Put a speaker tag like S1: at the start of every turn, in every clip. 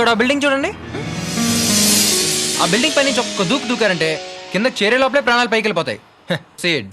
S1: అక్కడ ఆ బిల్డింగ్ చూడండి. ఆ బిల్డింగ్ పై నుంచి ఒక్క దూకారంటే కింద చేరే లోపలే ప్రాణాలు పైకి వెళ్ళిపోతాయి. సేడ్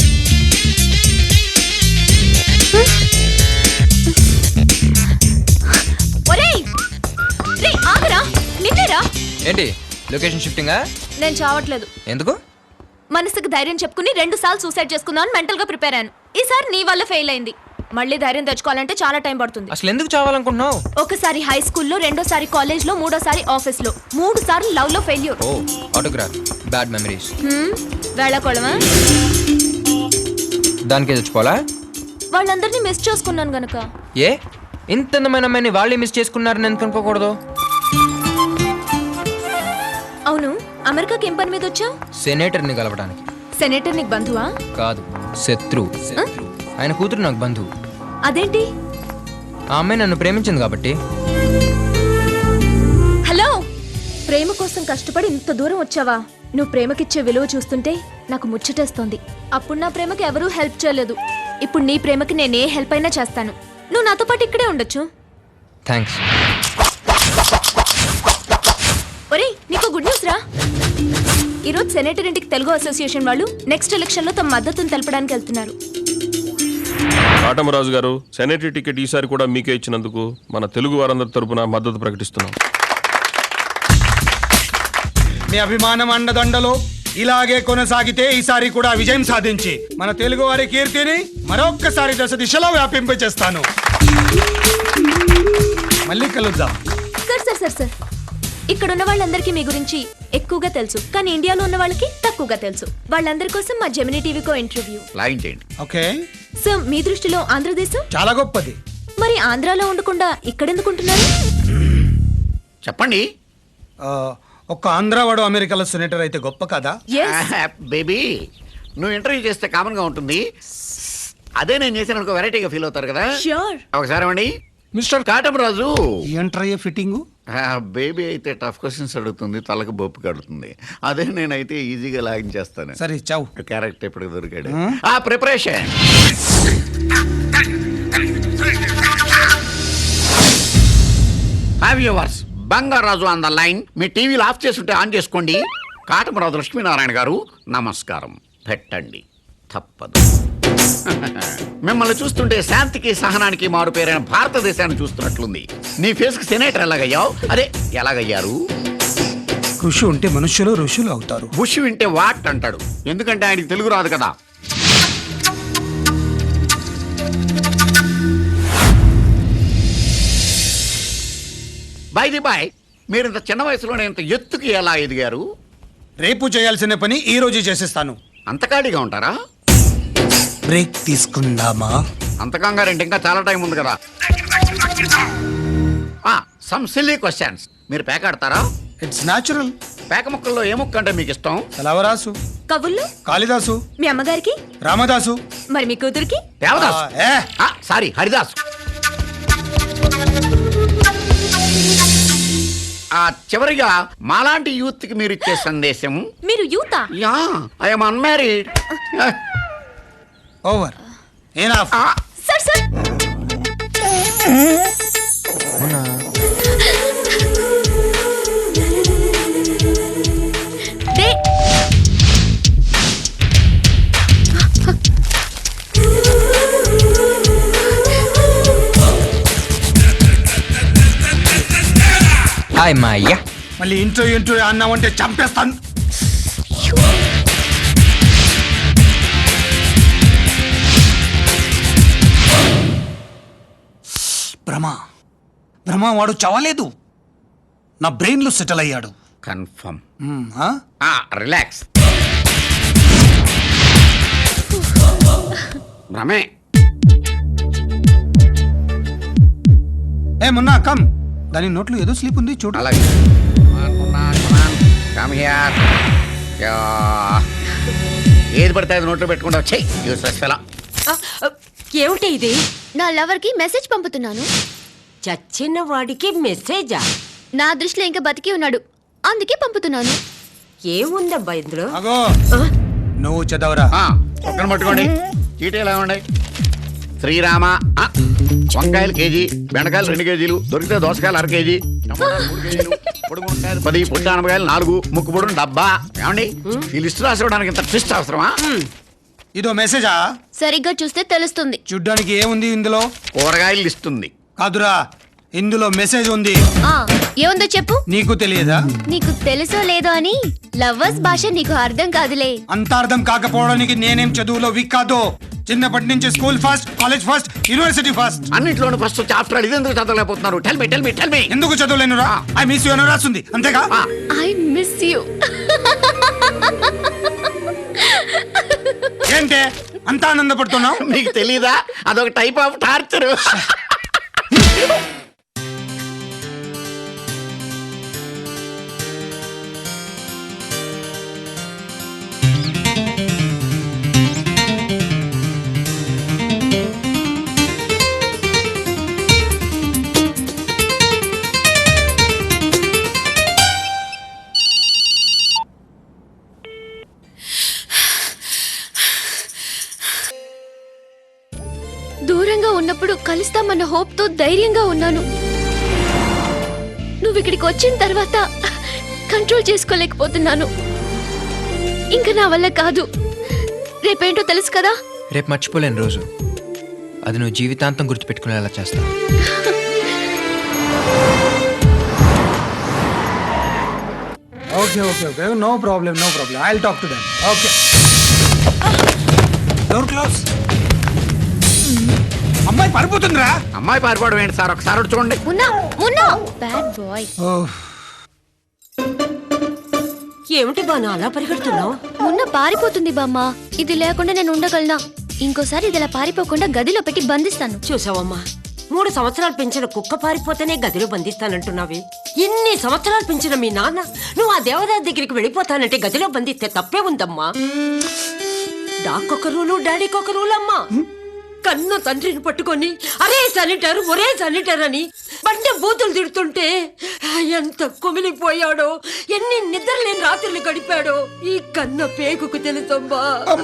S1: ఏంటి లొకేషన్ షిఫ్టింగా?
S2: నేను చావట్లేదు.
S1: ఎందుకు?
S2: మనసుకు ధైర్యం చెప్పుకుని 2 సార్లు సూసైడ్ చేసుకుందామని మెంటల్ గా ప్రిపేర్ అయ్యాను. ఈసారి నీ వల్ల ఫెయిల్ అయింది. మళ్ళీ ధైర్యం తెచ్చుకోవాలంటే చాలా టైం పడుతుంది.
S1: అసలు ఎందుకు చావాలనుకుంటున్నావు?
S2: ఒకసారి హై స్కూల్లో, రెండోసారి కాలేజ్ లో, మూడోసారి ఆఫీస్ లో, 3 సార్లు లవ్ లో ఫెయిల్యూర్.
S1: ఓ ఆటోగ్రాఫ్, బ్యాడ్ మెమరీస్.
S2: వేళకోళమా?
S1: దానికే చచ్చిపోవాలా?
S2: వాళ్ళందరినీ మిస్ చేసుకున్నాను గనక.
S1: ఏ ఇంత అందమైన అమ్మాయిని వాళ్ళే మిస్ చేసుకున్నారని ఎందుకు అనుకోకూడదు?
S2: అవును, అమెరికాకి ఏం పని మీద వచ్చావు?
S1: సెనేటర్ని కలవడానికి.
S2: సెనేటర్ నీకు బంధువా?
S1: కాదు, శత్రు. ఆయన కూతురు నాకు బంధువు.
S2: అదేంటి?
S1: ఆ అమ్మాయి నన్ను ప్రేమించింది కాబట్టి.
S2: హలో, ప్రేమ కోసం కష్టపడి ఇంత దూరం వచ్చావా? నువ్వు ప్రేమకిచ్చే విలువ చూస్తుంటే నాకు ముచ్చటేస్తోంది. అప్పుడు నా ప్రేమకి ఎవరూ హెల్ప్ చేయలేదు. ఇప్పుడు నీ ప్రేమకి నేనే హెల్ప్ అయినా చేస్తాను. నువ్వు నాతో పాటు ఇక్కడే ఉండొచ్చు.
S1: థ్యాంక్స్.
S2: ఒరేయ్, నీకు గుడ్ న్యూస్ రా. ఈరోజు సెనేటర్ ఇంటికి తెలుగు అసోసియేషన్ వాళ్ళు నెక్స్ట్ ఎలక్షన్ లో తమ మద్దతును తెలపడానికి వెళ్తున్నారు.
S3: కాటమరాజు గారు, సెనేటరీ టికెట్ ఈసారి కూడా మీకే ఇచ్చినందుకు మన తెలుగు వారందరి తరపున మద్దతు ప్రకటిస్తున్నాం.
S4: మీ అభిమానం అండదండలో ఇలాగే కొనసాగితే ఈసారి కూడా విజయం సాధించి మన తెలుగు వారి కీర్తిని మరొక్కసారి దశ దిశలో వ్యాపింపచేస్తాను. మళ్ళీ కలుద్దాం.
S2: సార్, ఇక్కడ ఉన్న వాళ్ళందరికీ మీ గురించి ఎక్కువగా తెలుసు, కానీ ఇండియాలో ఉన్న వాళ్ళకి తక్కువగా తెలుసు. వాళ్ళందరి కోసం మా జెమినీ టీవీకో ఇంటర్వ్యూ
S5: లైన్ చేయండి.
S4: ఓకే
S2: సార్, మీ దృష్టిలో ఆంధ్రదేశం
S4: చాలా గొప్పది.
S2: మరి ఆంధ్రాలో ఉండకుండా ఇక్కడెందుకుంటున్నారు?
S5: చెప్పండి.
S4: ఒక్క ఆంధ్రావాడు అమెరికాలో సెనేటర్ అయితే గొప్ప కదా?
S5: బేబీ, నువ్వు ఇంటర్వ్యూ చేస్తే కామన్ గా ఉంటుంది. అదే నేను చేసిన వెరైటీగా ఫీల్ అవుతారు కదా. ఒకసారి అండి మిస్టర్ కాటమరాజు.
S4: ఏంట్రయ్యే ఫిట్టింగు?
S5: బేబీ అయితే టఫ్ క్వశ్చన్స్ అడుగుతుంది, తలకు బొప్పు కడుతుంది. అదే నేనైతే ఈజీగా లాగించేస్తాను.
S4: సరే చావు.
S5: క్యారెక్టర్ ఎప్పటికి దొరికాడు. ఆ preparation. Have yours Bangaraju on the line. మీ టీవీలు ఆఫ్ చేస్తుంటే ఆన్ చేసుకోండి. కాటమరాజు లక్ష్మీనారాయణ గారు నమస్కారం. పెట్టండి, తప్పదు. మిమ్మల్ని చూస్తుంటే శాంతికి సహనానికి మారు పేరైన భారతదేశాన్ని చూస్తున్నట్లుంది. నీ ఫేస్ కి సెనేటర్ ఎలాగయ్యావు? అదే ఎలాగయ్యారు?
S4: కృషి ఉంటే మనుష్యులు ఋషులు అవుతారు.
S5: బుష్ వింటే వాట్ అంటాడు, ఎందుకంటే ఆయనకి తెలుగు రాదు కదా. బాయ్ మీరు ఇంత చిన్న వయసులోనే ఇంత ఎత్తుకి ఎలా ఎదిగారు?
S4: రేపు చేయాల్సిన పని ఈ రోజు చేసేస్తాను.
S5: అంత ఖాళీగా ఉంటారా?
S4: బ్రేక్ తీసుకుందామా?
S5: అంత కంగారంటే ఇంకా చాలా టైం ఉంది కదా. Some silly questions. మీరు పేక ఆడతారా?
S4: It's natural.
S5: పేక ముక్కల్లో ఏ ముక్క అంటే మీకు ఇష్టం?
S4: కలవరాసు.
S2: కవుల్లో
S4: కాళిదాసు.
S2: మీ అమ్మగారికి?
S4: రామదాసు.
S2: మరి మీ కూతురికి?
S5: దేవదాసు. సారీ, హరిదాసు. చివరిగా మాలాంటి యూత్ కి మీరు ఇచ్చే సందేశం?
S2: మీరు యూతా?
S5: Yeah, I am unmarried.
S4: Over. Enough.
S2: Sir
S1: hi మాయ్యా.
S4: మళ్ళీ ఇంటర్వ్యూ అన్నావంటే చంపేస్తాను. భ్రమ వాడు చవలేదు. నా బ్రెయిన్ లో సెటిల్ అయ్యాడు.
S5: కన్ఫర్మ్. రిలాక్స్. భ్రమే.
S4: ఏ మున్నా కమ్. దాని నోట్లో ఏదో స్లీప్ ఉంది చూడు.
S5: అలాగే. ఏది పడితే అది నోట్లో పెట్టుకుంటా.
S6: ఏమిటి ఇది?
S2: నా లవర్ కి మెసేజ్ పంపుతున్నాను.
S6: చచ్చిన వాడికి మెసేజా?
S2: నా దృష్టిలో ఇంకా బతికి ఉన్నాడు, అందుకే పంపుతున్నాను.
S6: ఏముందబ్బా ఇందులో?
S4: అగో నువ్వు చదవరా.
S5: పక్కన పట్టుకోండి. చీటీ ఎలా ఉన్నాయి? శ్రీరామ వంకాయలు కేజీ, బెండకాయలు 2 కేజీలు, దొరికితే దోసకాయలు 1/2 కేజీ, టమాటాలు 3 కేజీలు, పొడి మునక్కాయలు 10, పొట్టి ఆనపకాయలు 4, ముక్కు పొడును డబ్బా. ఏమండి ఈ లిస్టు రాసివ్వడానికి ఇంత ట్విస్ట్ అవసరమా?
S4: ఇదో మెసేజా?
S2: సరిగ్గా చూస్తే తెలుస్తుంది.
S4: చూడ్డానికి ఏముంది ఇందులో?
S5: కూరగాయలు లిస్ట్ ఉంది.
S4: కాదురా, ఇందులో మెసేజ్ ఉంది.
S2: ఏముందో చెప్పు.
S4: నీకు తెలియదా?
S2: నీకు తెలుసో లేదో అని లవ్వర్స్ భాష నీకు అర్థం కాదులే.
S4: అంత అర్థం కాకపోవడానికి నేనేం చదువులో వీక్ కాదు. చిన్నప్పటి నుంచి school first, college first, university first.
S5: అన్నింటిలోనూ ఫస్ట్ వచ్చి ఆఫ్టర్ ఇది ఎందుకు చదవలేకపోతున్నారు? టెల్ మీ
S4: ఎందుకు చదవలేనురా? ఐ మిస్ యు అని రాస్తుంది, అంతేగా?
S2: I miss you.
S4: ఏంటే అంత ఆనందపడుతున్నావు?
S5: మీకు తెలీదా? అదొక టైప్ ఆఫ్ టార్చర్.
S2: దూరంగా ఉన్నప్పుడు కలుస్తామన్న హోప్ తో ధైర్యంగా ఉన్నాను. నువ్వు ఇక్కడికి వచ్చిన తర్వాత కంట్రోల్ చేసుకోలేకపోతున్నాను. ఇంకా నా వల్ల కాదు. రేపేంటో తెలుసు కదా?
S1: రేపు మర్చిపోలేని రోజు, అది నువ్వు జీవితాంతం గుర్తుపెట్టుకునేలా చేస్తావు.
S4: Okay, no problem. I will talk to them. Okay, door close. అమ్మాయి పారిపోతుందిరా.
S5: అమ్మాయి పారిపోవడం ఏంటి సార్? ఒకసారి అటు చూడండి.
S2: Bad boy.
S6: ఏమిటి బాను అలా పరిగెడుతున్నావు?
S2: మున్న పారిపోతుంది బామ్మ. ఇది లేకుండా నేను ఉండగలనా? ఇంకోసారి ఇది ఇలా పారిపోకుండా గదిలో పెట్టి బంధిస్తాను.
S6: చూసావమ్మా, 3 సంవత్సరాలు పెంచిన కుక్క పారిపోతేనే గదిలో బంధిస్తానంటున్నావే. ఇన్ని సంవత్సరాలు పెంచిన మీ నాన్న నువ్వు ఆ దేవదాస్ దగ్గరికి వెళ్ళిపోతానంటే గదిలో బంధిస్తే తప్పే ఉందమ్మా. డాక్కొక రూలు, డాడీకొక రూలు అమ్మా. కన్న తండ్రిని పట్టుకొని అరే శానిటర్, ఒరే శానిటర్ అని బండి బూతులు తిడుతుంటే ఎంత కుమిలిపోయాడో, ఎన్ని నిద్రలేని రాత్రులు గడిపాడో ఈ కన్న పేగుకు తెలుసమ్మా.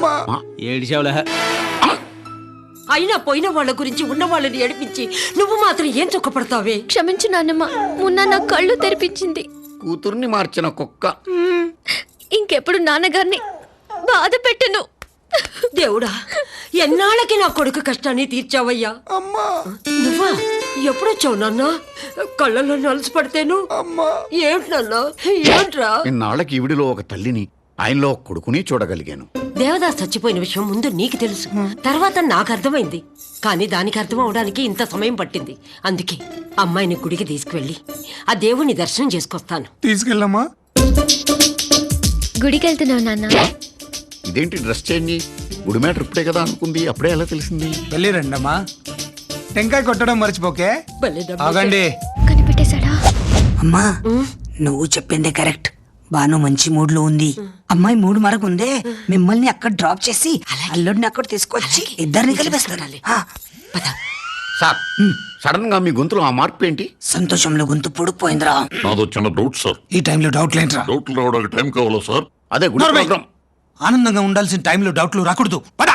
S6: అయినా పోయిన వాళ్ళ గురించి ఉన్న వాళ్ళని ఏడిపించి నువ్వు మాత్రం ఏం చుక్కపడతావే?
S2: క్షమించు నాన్నమ్మ. మున్న నా కళ్ళు తెరిపించింది.
S5: కూతుర్ని మార్చిన కుక్క.
S2: ఇంకెప్పుడు నాన్నగారిని బాధ పెట్టను.
S6: దేవుడా, ఎన్నాళ్ళకి నా కొడుకు కష్టాన్ని తీర్చావయ్యా. నువ్వా? ఎప్పుడొచ్చావు నాన్న? కళ్ళల్లో నలుసు పడితేను. ఏంటన్నా, ఏంట్రా?
S5: ఇన్నాళ్ళకి ఈవిడిలో ఒక తల్లిని, ఆయనలో ఒక కొడుకుని చూడగలిగాను.
S6: దేవదాస్ చచ్చిపోయిన విషయం ముందు నీకు తెలుసు, తర్వాత నాకు అర్థమైంది. కానీ దానికి అర్థం అవడానికి ఇంత సమయం పట్టింది. అందుకే అమ్మాయిని గుడికి తీసుకువెళ్ళి ఆ దేవుని దర్శనం చేసుకొస్తాను.
S4: తీసుకెళ్ళమ్మా.
S2: గుడికి వెళ్తున్నావు నాన్న?
S5: ఇదేంటి డ్రెస్ చేంజ్? గుడి మ్యాటర్ ఇప్పుడే కదా అనుకుంది, అప్పుడే ఎలా తెలిసింది?
S4: వెళ్ళి రండమ్మా. టెంకాయ కొట్టడం మర్చిపోకే.
S6: భలే డబ్బు.
S4: ఆగండి.
S2: కనిపెట్టేశాడా?
S7: అమ్మా, నువ్వు చెప్పిందే కరెక్ట్. బాను మంచి మూడ్ లో ఉంది. అమ్మాయి మూడ్ మరకుందే. మిమ్మల్ని అక్కడ డ్రాప్ చేసి అల్లుడిని అక్కడ తీసుకొచ్చి ఇద్దరిని కలిపేస్తాను.
S6: పద.
S5: సార్, సడన్ గా మీ గొంతులో ఆ మార్పు ఏంటి?
S7: సంతోషంలో గొంతు పొడిపోయిందిరా.
S8: నాదో చిన్న డౌట్ సార్.
S4: ఈ టైంలో డౌట్ లేంట్రా.
S8: డౌట్లు రావడానికి టైం కావాలా సార్?
S5: అదే గుడి
S4: నోర్మై.
S5: ప్రోగ్రాం.
S4: ఆనందంగా ఉండాల్సిన టైంలో డౌట్లు రాకూడదు. పద.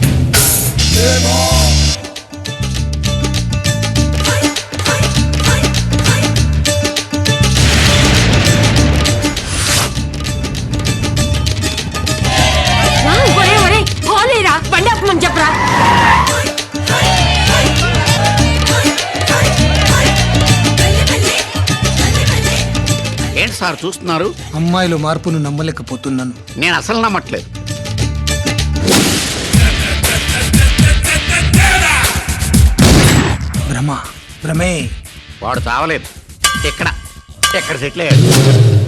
S6: ఒరే, ఒరే, పోలేరా, బండి ఆపమని చెప్పరా.
S5: ఏంటి సార్ చూస్తున్నారు?
S4: అమ్మాయిలో మార్పును నమ్మలేకపోతున్నాను.
S5: నేను అసలు నమ్మట్లేదు.
S4: భ్రమే.
S5: వాడు చావలేదు. ఎక్కడ సెటిల్ అయ్యాడు.